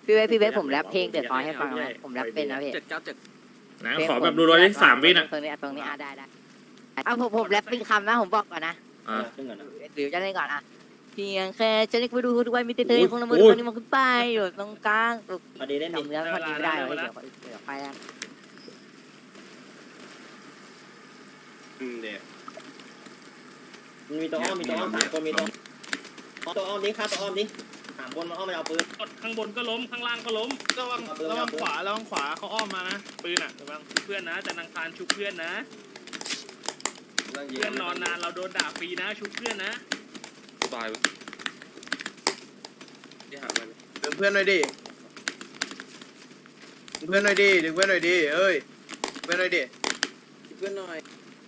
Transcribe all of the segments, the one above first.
พี่เวฟผมแรปเพลงเดือดร้อนให้ฟังนะผมแรปเป็นนะพี่ 797นะขอแบบรัวๆที่3 วินะตรงนี้ได้เอาผมแรปเป็นคำนะผมบอกก่อนนะหรือจะเล่นก่อนอะเพียงแค่จะได้ไปดูทุกวันมีเธอคงละเมอคนนี้มันขึ้นไปอยู่ตรงกลางพอดีเล่นเนื้อพอดีไม่ได้เลยเดี๋ยวไปแล้วเดี๋ยวมีตัวอ้อม3 คนมีตัวอ้อมดิฆ่าตัวอ้อมดิ3 คนมาอ้อมมาเอาปืนข้างบนก็ล้มข้างล่างก็ล้มระวังขวาเขาอ้อมมานะปืนอ่ะระวังเพื่อนนะแต่นางคารชุบเพื่อนนะเพื่อนนอนนานเราโดนด่าฟรีนะชุบเพื่อนนะตายดึงเพื่อนหน่อยดิดึงเพื่อนหน่อยดิเอ้ยเพื่อนหน่อยดิเพื่อนหน่อย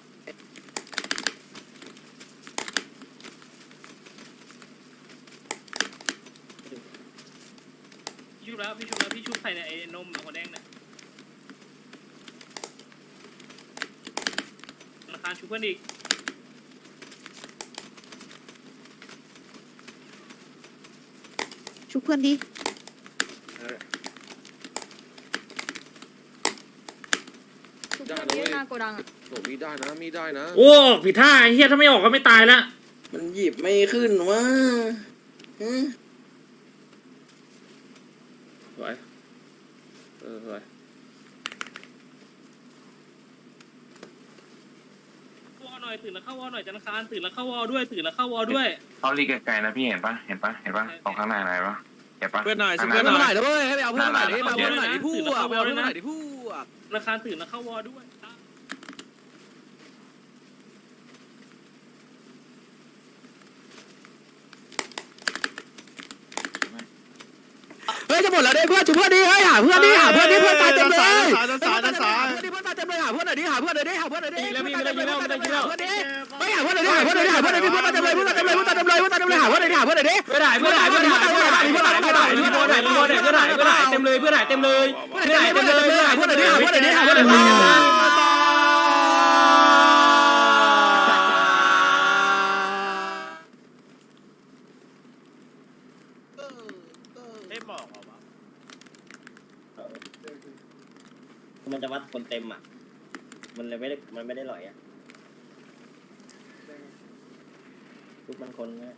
พี่ชุบใครเนี่ยไอ้นมหัวแดงเนี่ยธนาคารชุบเพื่อนอีกชุบเพื่อนดิได้นะหน้าโกดังโอ้มีได้นะโอ้ผิดท่าไอ้เหี้ยถ้าไม่ออกก็ไม่ตายละมันหยิบไม่ขึ้นวะสวยสวยวอหน่อยตื่นแล้วเข้าวอหน่อยธนาคารตื่นแล้วเข้าวอด้วยเขาลีกไกลๆนะพี่เห็นปะตรงข้างหน้าไหนปะเห็นปะเพื่อนหน่อยเพื่อนหน่อยด้วยให้ไปเอาเพื่อนหน่อยดิมาเพื่อนหน่อยดิพูดธนาคารตื่นแล้วเข้าวอด้วยเฮ้ยจะหมดแล้วดิเพื่อนจุเพื่อนดิเฮ้ยหาเพื่อนดิเพื่อนตายเต็มเลยเพื่อนตายเต็มเลยหาเพื่อนหน่อยดิแล้วมีไม่ได้ยิงแล้วไม่ได้ยิงแล้วไม่ได้ยิงแล้วไม่หาเพื่อนหน่อยดิเพื่อนตายเต็มเลยหาเพื่อนหน่อยดิหาเพื่อนหน่อยดิไม่ได้เต็มเลยหาเพื่อนหน่อยมันจะวัดคนเต็มอ่ะมันเลยไม่ได้หล่อยอ่ะทุกมันคนนะ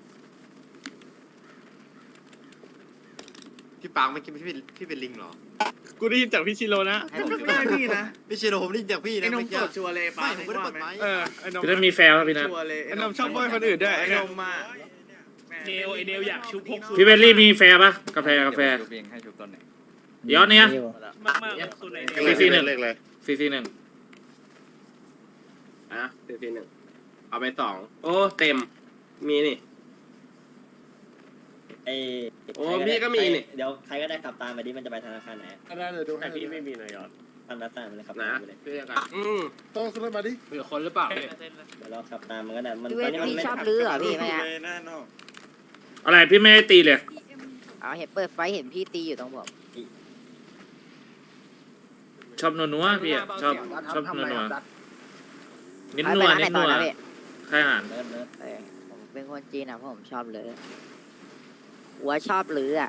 พี่ปางไม่คิดพี่เป็นลิงเหรอกูได้ยินจากพี่ชิโร่นะไม่ได้พี่นะพี่ชิโร่ผมได้ยินจากพี่นะไม่ใช่ชัวร์เลยปางผมไม่ได้เปิดไม้พี่ต้องมีแฟร์ครับพี่นะไอ้นมชอบบ่อยคนอื่นด้วยไอ้นมมาเนลอยากชุบพกพี่เบลลี่มีแฟร์ปะกาแฟเดี๋ยวเนี้ยมากสุดในเนล CC1 CC1 CC1เอาไป2โอ้เต็มมีนี่โอ้พี่ก็มีนี่เดี๋ยวใครก็ได้ขับตามไปดิมันจะไปธนาคารไหนก็ได้เลยดูให้แต่พี่ไม่มีเลยยอดทำนัดตามมันเลยขับนะตามไปเลยพี่จะกันต้องขึ้นรถมาดิเผื่อคนหรือเปล่าเดี๋ยวเราขับตามมันก็ได้มันพี่เวตอนฟนี้มันพี่ไม่ชอบลื้อเหรอพี่ไหมอะอะไรพี่ไม่ได้ตีเลยเอาเห็นเปิดไฟเห็นพี่ตีอยู่ตรงผมชอบนัวๆพี่อะชอบนัวๆนิ้นนัวร้านไหนนิ้นต่นัอวนะพี่ใครอาหารเนิร์ดผมเป็นคนจีนนะเพราะผมชอบลื้อหัวชอบลื้ออ่ะ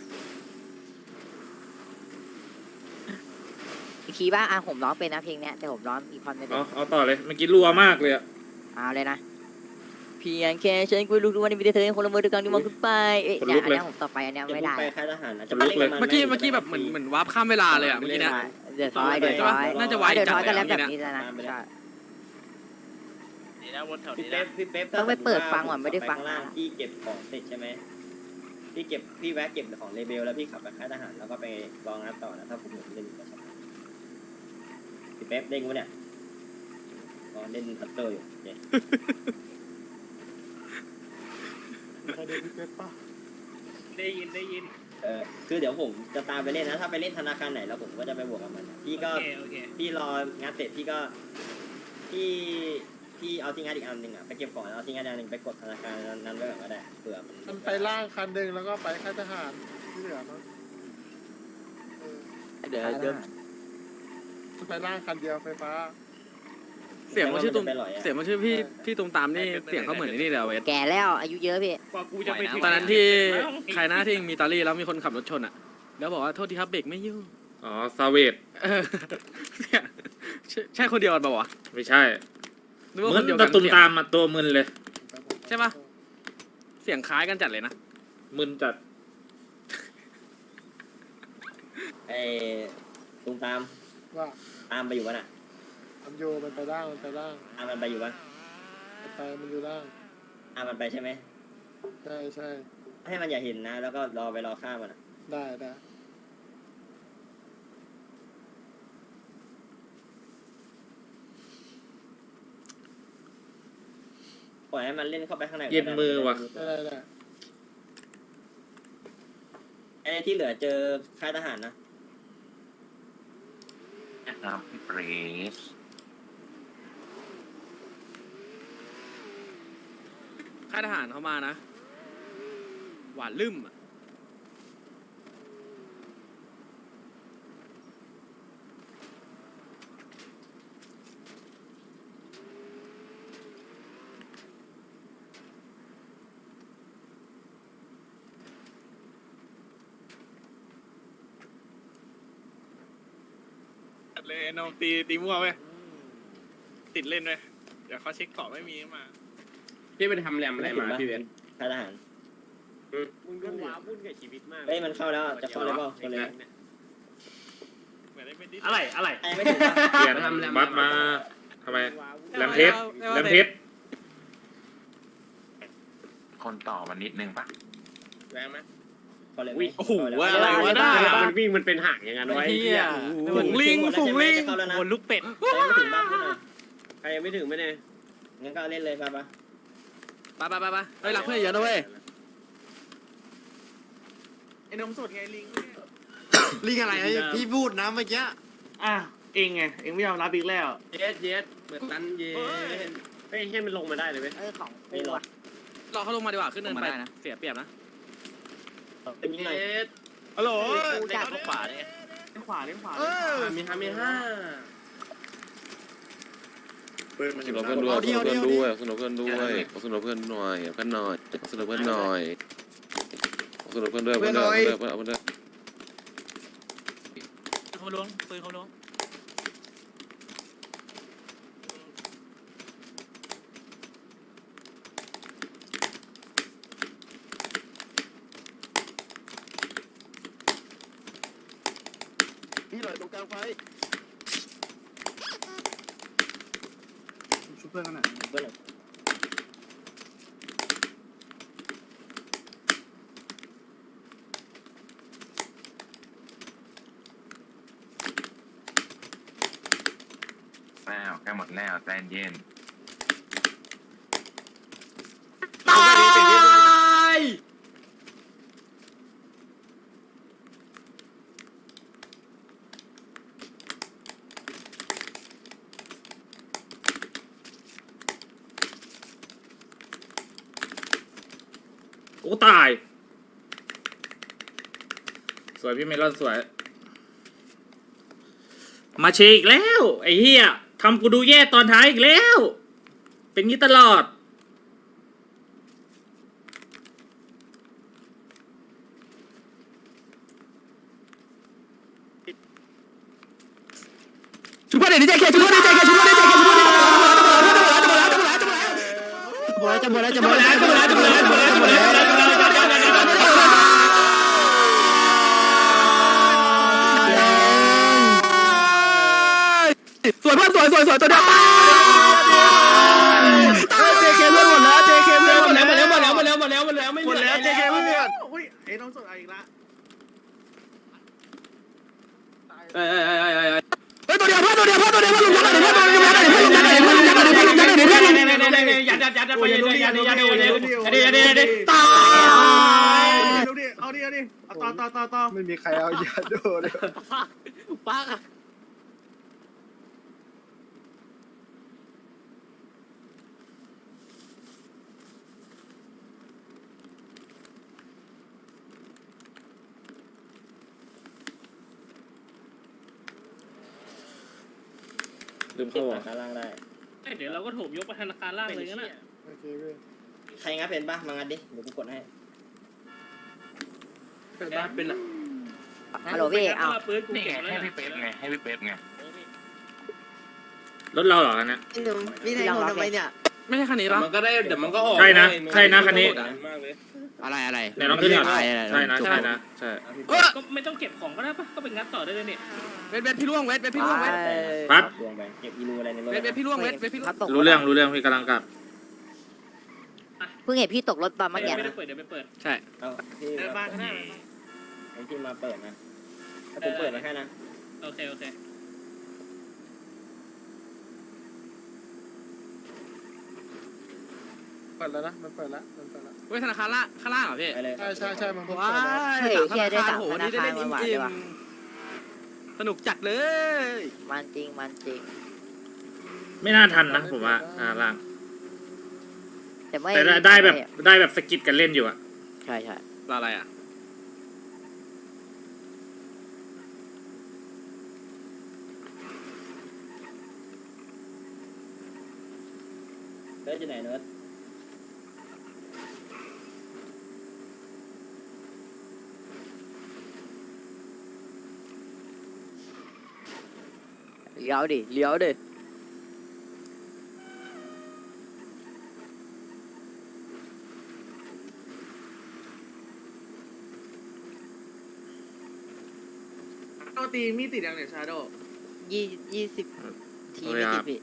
คีย์บ้างผมร้องเป็นนะเพลงเนี้ยแต่ผมร้องอีพอนไม่เป็นเอาต่อเลยเมื่อกี้รัวมากเลยอะเอาเลยนะเพียงแค่ฉันคุยลูกทุกวันนี้มีแต่เธอคนละมือด้วยกันที่มองขึ้นไปเนี่ยอันนี้ผมต่อไปอันนี้จะไม่พุ่ได้งไปค่ายทหารนะจะเมื่อกี้แบบเหมือนวาร์ปข้ามเวลาเลยอ่ะเมื่อกี้เนี่ยเดือดร้อยน่าจะไวเดือดจัร้ดอยเลก็ยแล้วแบบเนี่ยนี้แล้วนะใช่นี่นะวนแถวพี่นี้เป๊นะปต้องไปเปิดฟังว่ะไม่ได้ฟังข้างล่างพี่เก็บของเสร็จใช่ไหมพี่แวะเก็บของเลเบลแล้วพี่ขับไปค่ายทหารแล้วก็ไปรองานต่อนะถ้าผมเล่นกับพี่เป๊ปเด้งวะเนี่ยก็เล่นพัตเตอร์อยู่เนี่ยได้ยินคือเดี๋ยวผมจะตามไปเล่นนะถ้าไปเล่นธนาคารไหนแล้วผมก็จะไปบวกกับมันพี่ก็โอเคพี่รองานเสร็จพี่ก็พี่เอาที่งานอีกอันหนึ่งอ่ะไปเก็บของเอาที่งานอีกอันหนึ่งไปกดธนาคารนั้นไว้ก่อนก็ได้เผื่อมันไปล่างคันหนึ่งแล้วก็ไปค่ายทหารที่เหลือมั้งเดี๋ยวไปล่างคันเดียวไฟฟ้าเสียงมันชื่อตุ้มเสียงมันชื่อพี่ตรงตามนี่เสียงเขาเหมือนนี่เลยเวทแก่แล้วอายุเยอะพี่กว่ากูจะไปถึงตอนนั้นที่ใครหน้าที่มีตอรี่แล้วมีคนขับรถชนอ่ะแล้วบอกว่าโทษทีครับเบรกไม่อยู่อ๋อซาเวตเนี่ยใช่คนเดียวกันปะวะไม่ใช่นึกว่ามึคน นเดียวตะกันตุ่มตามมาตัวมึนเลยใช่ปะเสียงคล้ายกันจัดเลยนะมึนจัดไอ้ตุ้มตามว่าตามไปอยู่วะน่ะมันโยมันไปล่างมันไปล่างตามมันไปอยู่วะมันอยู่ล่างตามมันไปใช่ไหมใช่ใช่ให้มันอย่าเห็นนะ แล้วก็รอฆ่ามันอ่ะได้ได้ปล่อยให้มันเล่นเข้าไปข้างในเย็นมือว่ะได้ไอ้ที่เหลือเจอค่ายทหารนะนะครับพี่เปรสค่ายทหารเขามานะ หวานลืมอะเลยน้องตีมั่วไปติดเล่นไปเดี๋ยวเขาเช็คต่อไม่มีมาพี่ไปทำแรมอะไรมาพี่เวนค่ายทหารมึงดูว้าวุ่นกับชีวิตมากเฮ้ยมันเข้าแล้วจะเข้าเลยเปล่าคนเลยเหมือนได้เป็นดิอะไรไอ้ไม่ถึงปะเปลี่ยนบัตรมาทำไมแรมเพชรแรมเพชรคนต่อมันนิดนึงปะแรงไหมเข้าเลยโอ้โหอะไรวะน่ามันวิ่งมันเป็นห่างอย่างนั้นไว้ฝูงลิงฝูงลิงเข้าแล้วนะบนลูกเป็ดใครไม่ถึงบ้านขึ้นหน่อยใครยังไม่ถึงไหมเนี่ยงั้นก็เล่นเลยป่ะไปเฮ้ยรักเพื่อนเยอะนะเว้ยไอ้นมสดไงลิงลิงอะไรพี่พูดนะเมื่อกี้อ่ะเองไงเองไม่ยอมรับอีกแล้วเย็ดเหมือนตันเย็ดให้มันลงมาได้เลยไหมของไม่กูรออะรอเขาลงมาดีกว่าขึ้นเนินไปเสียเปรียบนะเป็นยังไงฮัลโหลกูจับขวาเนี่ยขวามีห้าสนุกเพื่อนด้วยสนุกเพื่อนด้วยสนุกเพื่อนหน่อยเพื่อนหน่อยสนุกเพื่อนหน่อยสนุกเพื่อนด้วยเพื่อนด้วยเพื่อนด้วยเขาล้วงปืนเขาล้วงพี่หน่อยตรงกลางไฟชุบเพื่อนกันหน่อยเพื่อนแล้วใกล้หมดแล้วใจเย็นตายโอ้ตาย สวยพี่เมลอนสวย มาเชอีกแล้ว ไอ้เหี้ยทำกูดูแย่ตอนท้ายอีกแล้ว เป็นงี้ตลอดชุบเพื่อนดิเจเคชุบเพื่อนดิเจเคชุบเพื่อนดิเจเคชุบเพื่อนดิจะหมดแล้วสวยเพื่อนสวยตัวเดียวตายเจเคเพื่อนหมดแล้วเจเคเพื่อนหมดแล้วไม่เหลือหมดแล้วเจเคเพื่อนอุ้ยไอ้น้องสดอีกละเฮ้ยตัวเดียวเพื่อนลุงยักษ์หน่อยเพื่อนลุงยักษ์หน่อยเพื่อนลุงยักษ์หน่อยเพื่อนลุงยักษ์หน่อยเพื่อนลุงยักษ์หน่อยเพื่อนลุงยักษ์หน่อยเพื่อนลุงยักษ์หน่อยเพื่อนลุงยักษ์หน่อยเพื่อนลุงยักษ์หน่อยเพื่อนลุงยักษ์หน่อยเพื่อนลุงยักษ์หน่อยยัดไปยัดตายเอาดิต่อไม่มีใครเอายาโดเลยป้าลืมเข้าธอ่ะนาคารล่างได้เดี๋ยวเราก็โถมยกไปธนาคารล่างเลยงั้นน่ะโอเคเว้ยใครงัดเป็นป่ะมางัดดิเดี๋ยวกูกดให้เป็นบ้าเป็นอ่ะฮัลโหลพี่เอาปืนกูนี่ไงเก็บแล้วให้พี่เป๊ปไงให้พี่เป๊ปไงรถเราเหรอเนี่ยพี่นายโหทำไมเนี่ยไม่ใช่คันนี้ปะมันก็ได้เดี๋ยวมันก็ออกใช่นะใช่นะคันนี้มากเลยอะไรอะไรไหนลองขึ้นก่อนใช่นะใช่นะใช่ก็ไม่ต้องเก็บของก็ได้ปะก็ไปงัดต่อได้เลยเนี่ยเวทพี่ล่วงเวทพี่ล่วงเวทปั๊บดวงไปเก็บอีรูอะไรในรถเวทพี่ล่วงเวทพี่ล่วงรู้เรื่องพี่กำลังกลับเพิ่งเห็นพี่ตกรถมาเมื่อกี้ไม่ได้เปิดเดี๋ยวไปเปิดใช่เอาที่เดินบ้านข้างหน้าไอ้ที่มาเปิดนะถ้าผมเปิดมาแค่นะโอเคโอเคเปิดแล้วนะมันเปิดแล้วมันเปิดแล้วเวทธนาคารล่างข้างล่างเหรอพี่ไปเลยใช่มันเปิดว้าแล้วยสามธนาคารโหนี่ได้เล่นจริงสนุกจัดเลยมันจริงไม่น่าทันนะผมว่าล่างแต่ไม่แต่ได้แบบสกิดกันเล่นอยู่อะใช่อะไรอ่ะเลิศจะไหนเนิร์ดเลี้ยวดิโดตีมีติดยังเนี่ยชาโด 20 ทีไม่ติดพี่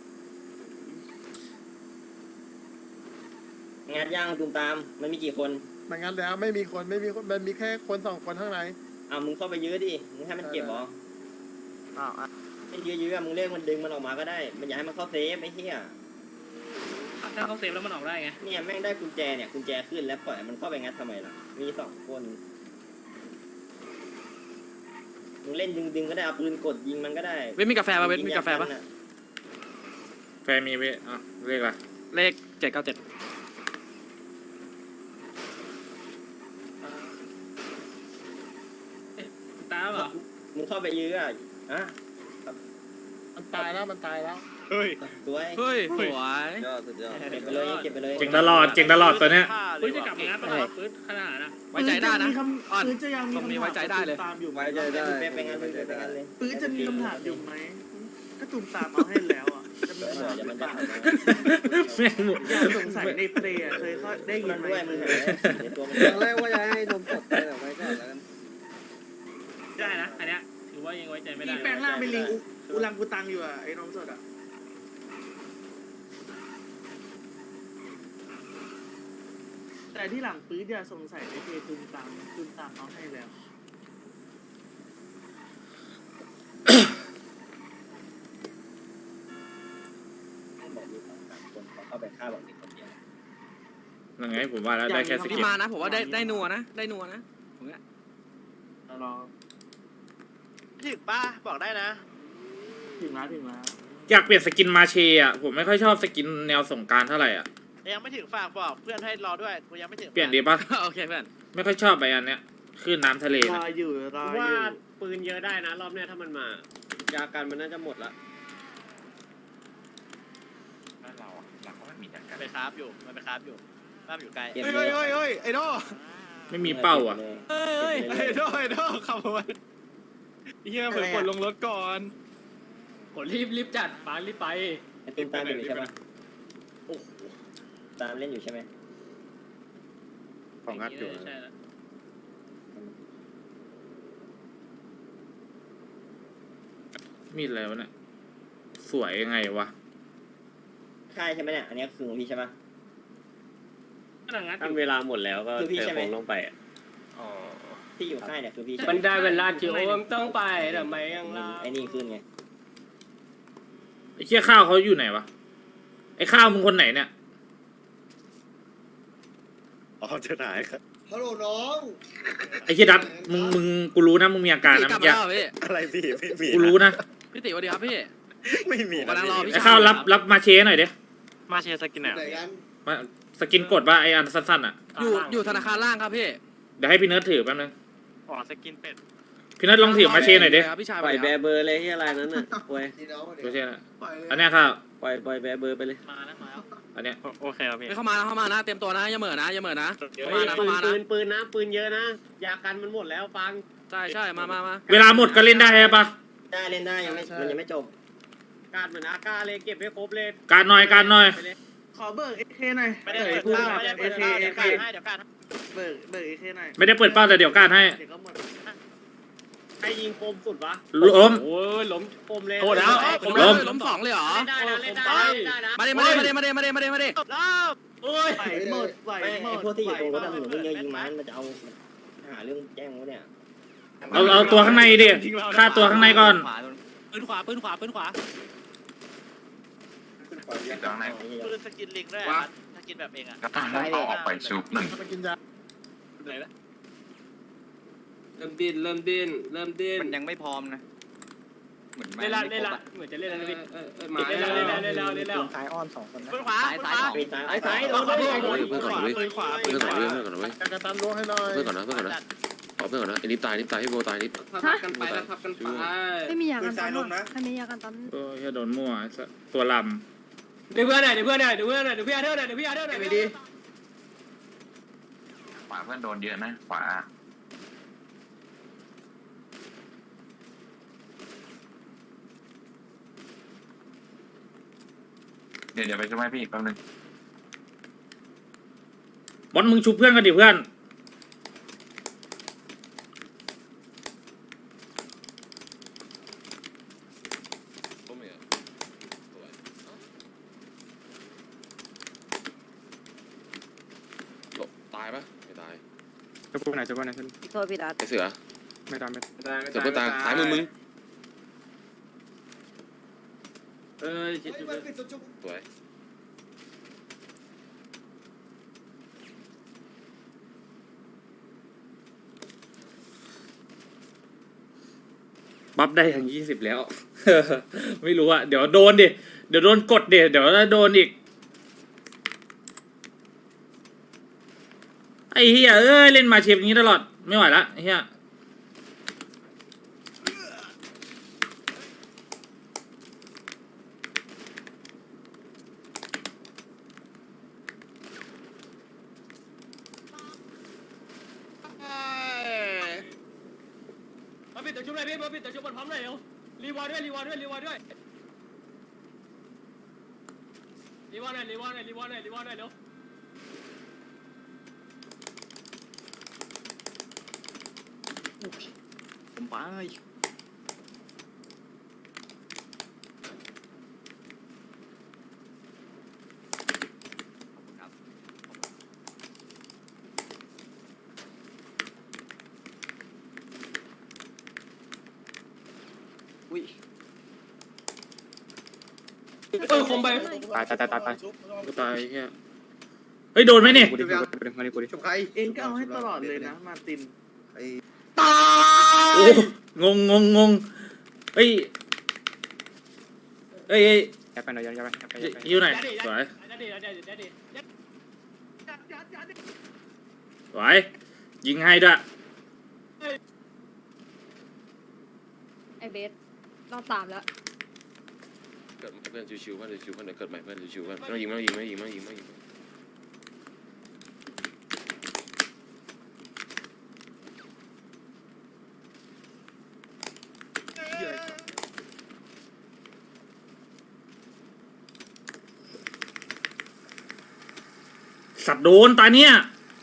งานย่างตูมตามมันมีกี่คนมันงั้นแล้วไม่มีคนมันมีแค่คน2 คนข้างในเอามึงเข้าไปยื้อดิมึงให้มันเก็บหรออ้าวไม่ยื้อมึงเรียกมันดึงมันออกมาก็ได้มันอยากให้มันเข้าเซฟไอ้เหี้ยถ้าเขาเซฟแล้วมันออกได้ไงเนี่ยแม่งได้กุญแจเนี่ยกุญแจขึ้นแล้วปล่อยมันเข้าไปงัดทำไมล่ะมี2 คนมึงเล่นดึงก็ได้เอาปืนกดยิงมันก็ได้เวทมีกาแฟป่ะเวทมีกาแฟป่ะแฟนมีเว้ยเรียกอะไรเลข797 ตามเหรอมึงเข้าไปยื้ออ่ะอ่ะมันตายแล้วเฮ้ยสวยเฮ้ยสวยเก็บไปเลยเก็บไปเลยเก่งตลอดตัวเนี้ยปืนจะกลับมางัดตลอดปืนขนาดนะไว้ใจได้นะอ่อนปืนจะยังมีตรงนี้คำไว้ถามใจได้เลยตามอยู่ไหมไปงานเลยไปงานเลยปืนจะมีคำถามอยู่ไหมก็ตุ่มตามเอาให้แล้วอ่ะจะมีเดี๋คำถามยวมันหจะรือเปล่าแม่งหมดอยากสงสัยในเพลย์อะเคยเขาได้ยิมัน นไหมด้วยมึงเห็นในตัวมันตอนแรกว่าจะให้นมสดแต่ไว้ก่อนแล้วกันได้นะอันเนี้ยถือว่ายังไว้ใจไม่ได้มีแปลงร่างเป็นลิงอุลังกูตังอยู่อ่ะไอ้นมสดอ่ะแต่ที่หลังปืนอย่าสงสัยในเพลย์ตุ่มตามเอาให้แล้วบอกมี2-3 คนเข้าไปฆ่าบอกมีคนเดียวยังไงผมว่าแล้วได้แค่สพี่กิดมานะผมว่าได้นัวนะได้นัวนะผมเนี่ยรอถึงป้าบอกได้นะถึงแล้วอยากเปลี่ยนสกินมาเชอะผมไม่ค่อยชอบสกินแนวสงกรารเท่าไหร่อ่ะยังไม่ถึงฝากบอกเพื่อนให้รอด้วยกูยังไม่ถึงเปลี่ยนดีปะโอเคเพื่อนไม่ค่อยชอบไปอันเนี้ยคลื่นน้ำทะเลรนะออยู่ว่าปืนเยอะได้นะรอบเนี้ยถ้ามันมายากันมันน่าจะหมดละแล้วเราก็ไม่มีจักรไปคราฟอยู่มันไปคราฟอยู่บ้านอยู่ไกลเก็บเฮ้ยเลยไอ้โดไม่มีเป้าอ่ะไอ้โดขับมาเฮียเผื่อกดลงรถก่อนกดรีบจัดปารีบไปไอ้ตุ้มตามอยู่ใช่ปะตามเล่นอยู่ใช่ไหมของงัดอยู่ใช่แล้วมีดอะไรวะเนี่ยสวยยังไงวะค่ายใช่ไหมเนี่ยอันนี้คือของพี่ใช่ปะกำลังงัดอตั้งยู่เวลาหมดแล้วก็คือพี่เทใช่ไหมคงลงไปอะที่อยู่ค่ายเนี่ยคือพี่ใช่มันไหมได้เวลาที่โอมต้องไปทำไมยังล่ะไอ้นี่ขึ้นไงไอ้เชี่ยข้าวเขาอยู่ไหนวะไอ้ข้าวมึงคนไหนเนี่ยฮัลโหลน้องไอ้เชี่ยดัดมึงกูรู้นะมึงมีอาการนะกลัเมื่บอมากี้แล้วพี่อะไรพี่ไม่มีกูรู้นะพี่ติสวัสดีครับพี่ไม่มีผมกำลังรอพี่ไอ้ข้าวรับมาเชหน่อยดิมาเชียร์สกินไหนมาสกินกดว่าไอ้อันสั้นๆอ่ะอยู่ธนาคารล่างครับพี่เดี๋ยวให้พี่เนิร์ดถือแป๊บนึงอ๋อสกินเป็ดพี่เนิร์ดลองถือมาเชหน่อยดิพี่ชายปล่อยแบร์เบอร์เลยที่อะไรนั้นน่ะโว้ยมาเชนะอันเนี้ยข้าวปล่อยแบร์เบอร์ไปเลยมาแล้วมาแล้วอันเนี้ยโอเคครับพี่เข้ามานะเตรียมตัวนะอย่าเหม่อนะเข้ามานะปืนนะปืนเยอะนะยากันมันหมดแล้วฟังใช่มาเวลาหมดก็เล่นได้ใช่ปะได้เล่นได้ยังไม่มันยังไม่จบการเหมือนอากาเลยเก็บให้ครบเลยการหน่อยขอเบิกเอเคหน่อยไม่ได้เปิดเป้าไม่ได้เปิดเป้าเดี๋ยวการให้เดี๋ยวการให้เบิกเอเคหน่อยไม่ได้เปิดเป้าแต่เดี๋ยวการให้เดี๋ยวก็หมดใครยิงคมสุดวะล้มโอ้ยล้มคมเลยโอ้แล้วล้มล้ม2เลยเหรอเล่นได้นะเล่นได้นะมาดิรอบโอ้ยไหวหมดไหวไม่หมไอ้ดพวกที่อยู่ตรงรถอะหนูเพิ่งเยอะยิงมันจะเอาหาเรื่องแจ้งวะเนี่ยเอาตัวข้างในดิฆ่าตัวข้างในก่อนปืนขวาติดตรงไหนปืนสกินลิงด้วยสกินแบบเองอ่ะก็ต้องเอาออกไปชุบหนึ่งเริ่มดิ้นมันยังไม่พร้อมนะเหมือนเล่นละเหมือนจะเล่นแล้วนะพี่หมาเล่นแล้วซ้ายอ้อม2 คนนะปืนขวาปืนขวามีตายซ้ายโดนเพื่อนก่อนนะเว้ยเพื่อนก่อนนะกระตามรั้วให้หน่อยเพื่อนก่อนนะเอาเพื่อนก่อนนะไอ้นิดตายให้โบตายนิดทับกันไปแล้วทับกันไปไม่มียากันตันหรอใครมียากันตันเออแค่โดนมั่วตัวลเดี๋ยวเพื่อนหน่อยเดี๋ยวพี่อาเท่าหน่อยไม่ดีขวาเพื่อนโดนเยอะนะขวาเดี๋ยวไปช่วยพี่แป๊บนึงบอลมึงชุบเพื่อนกันดิเพื่อนล้มเหรอตายปะไม่ตายโทษพี่รัตไอ้เสือไม่ตามเสือเพื่อนตายหายมึง สวยบัฟได้ทั้ง20แล้ว ไม่รู้อะเดี๋ยวโดนดิเดี๋ยวโดนกดเดี๋ยวโดนอีกไอ้เฮียเอ้ยเล่นมาเชฟอย่างนี้ตลอดไม่ไหวละไอ้เฮียมาปิดตัวชุบเลยพี่มาปิดตัวชุบบนพร้อมเลยเร็วรีวอร์ด้วยรีวอร์หน่อยเร็วผมไปคมไปตายเฮียเฮ้ยโดนไหมเนี่ยเอ็นก็เอาให้ตลอดเลยนะมาตินโอ้งงเฮ้ยอยู่ไหนสวยสวยยิงให้ด้วยไอเบสรอบ3แล้วเกิดเพื่อนชิวๆเพื่อนชิวๆเพื่อนเกิดใหม่เพื่อนชิวๆเพื่อนไม่ต้องยิงไม่ต้องยิงสัตว์โดนตาเนี่ย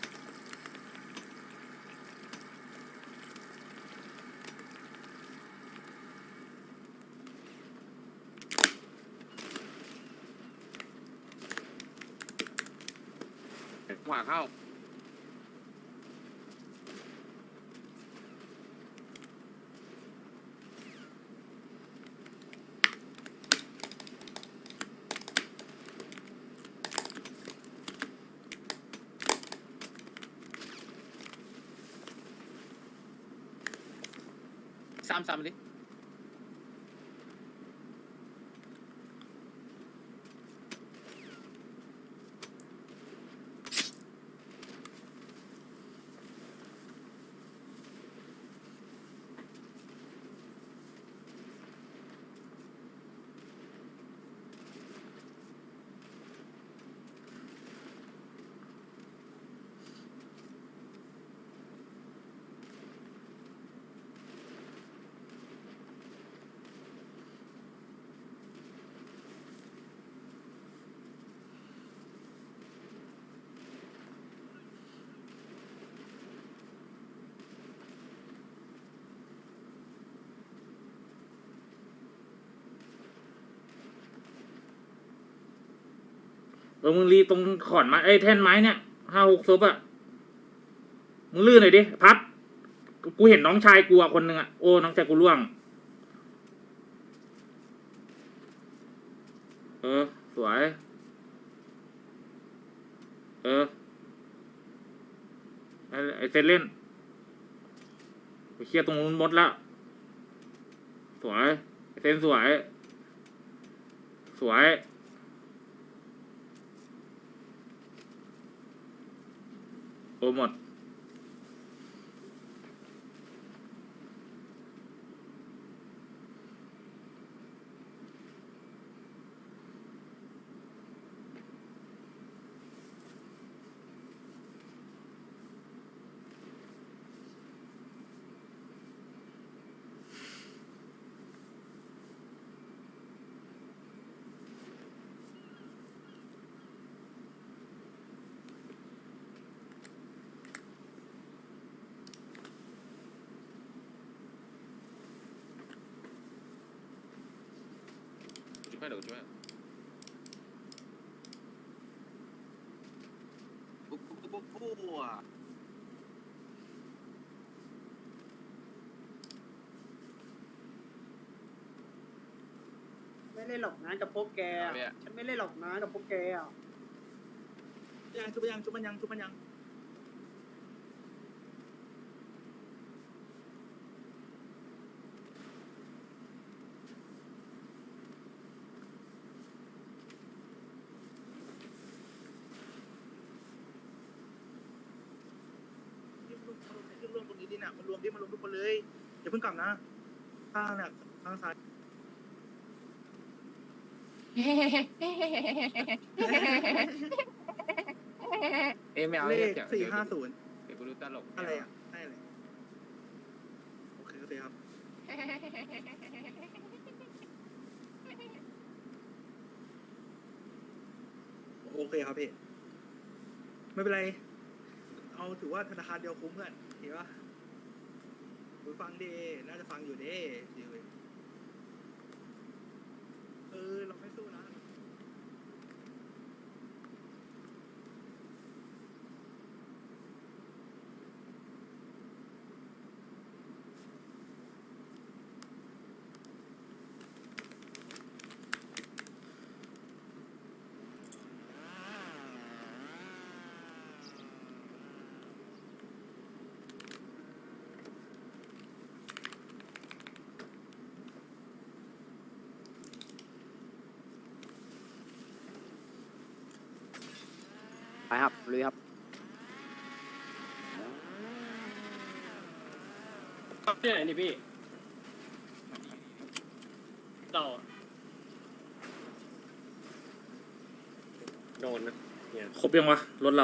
ขวาเข้าซ้ำเลยไมึงรีตรงขอนไม้แท่นไม้เนี่ย5-6ศพอะมึงลื่นหน่อยดิพัดกูเห็นน้องชายกูคนหนึ่งอะโอ้น้องชายกูล่วงสวยไอเซนเล่นไปเคลียร์ตรงนู้นหมดแล้วสวยไอเซนสวยโอ้หมดช่วยเดี๋ยวช่วยไม่เล่นหรอกนะกับพวกแกฉันไม่เล่นหรอกนะกับพวกแกอ่ะชุบมันยัง รวมตรงนี้ดิน่ะมันรวมทุกคนเลยอย่าเพิ่งกลับนะข้างเนี่ยข้างซ้ายไม่เอาเลเลขข 450 เดี๋ยวกูดูตลกอะไรอ่ะได้เลยโอเคครับโอเคครับพี่ไม่เป็นไรเอาถือว่าธนาคารเดียวคุ้มเพื่อนเห็นปะฟังดีน่าจะฟังอยู่ดีเราไม่สู้นะไปครับลุยครับที่ไหนนี่พี่ต่อโดนนะเนี่ยครบยังวะรถเรา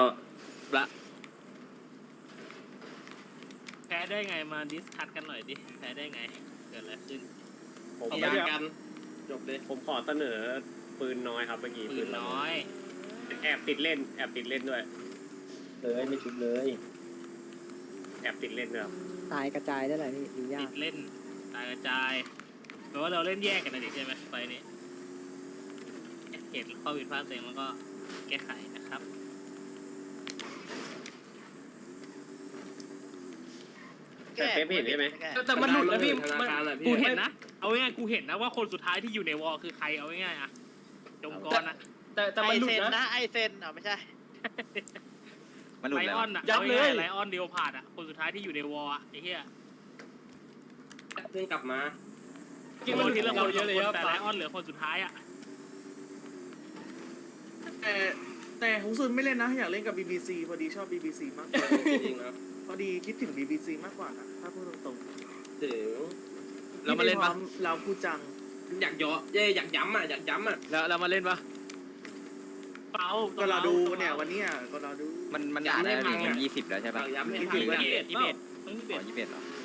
แพ้ได้ไงมาดิสคัทกันหน่อยดิแพ้ได้ไงเกิดอะไรขึ้นผมไม่ได้กันจบเลยผมขอเสนอปืนน้อยครับเมื่อกี้ปืนน้อยแอบติดเล่นด้วยเลยไม่ชุบเลยแอบติดเล่นด้วยครับตายกระจายได้เลยพี่ดูยาติกดเล่นตายกระจายแปลว่าเราเล่นแยกกันนะดิใช่ไหมไฟนี้เหตุข้อผิดพลาดเองแล้วก็แก้ไขนะครับแต่เป๊ปเห็นใช่ไหมแต่มันหลุดแล้วพี่กูเห็นนะเอาง่ายๆกูเห็นนะว่าคนสุดท้ายที่อยู่ในวอลคือใครเอาง่ายๆอะจงกรนะแต่มันหลุดนะไอเซนไม่ใช่มันหลุดไลแล้วออนอะเอาง่ายๆไลออนเดียวผ่านอะคนสุดท้ายที่อยู่ในวอลอะไอ้เหี้ยเพิ่งกลับมากินคนที่เราเยอะเลยแต่ไลออนเหลือคนสุดท้ายอะแต่ของซุนไม่เล่นนะอยากเล่นกับ BBC พอดีชอบ BBC มากกว่าจริงครับพอดีคิดถึง BBC มากกว่านะถ้าพูดตรงๆเดี๋ยวเรามาเล่นปะเราพูดจังอยากย้ำอ่ะแล้วมาเล่นปะเปล่าก็เราดูเนี่ยวันนี้ก็เราดูมันนานแล้วดิมัน20แล้วใช่ปะย้ำให้ 21 อ๋อ21เหรอ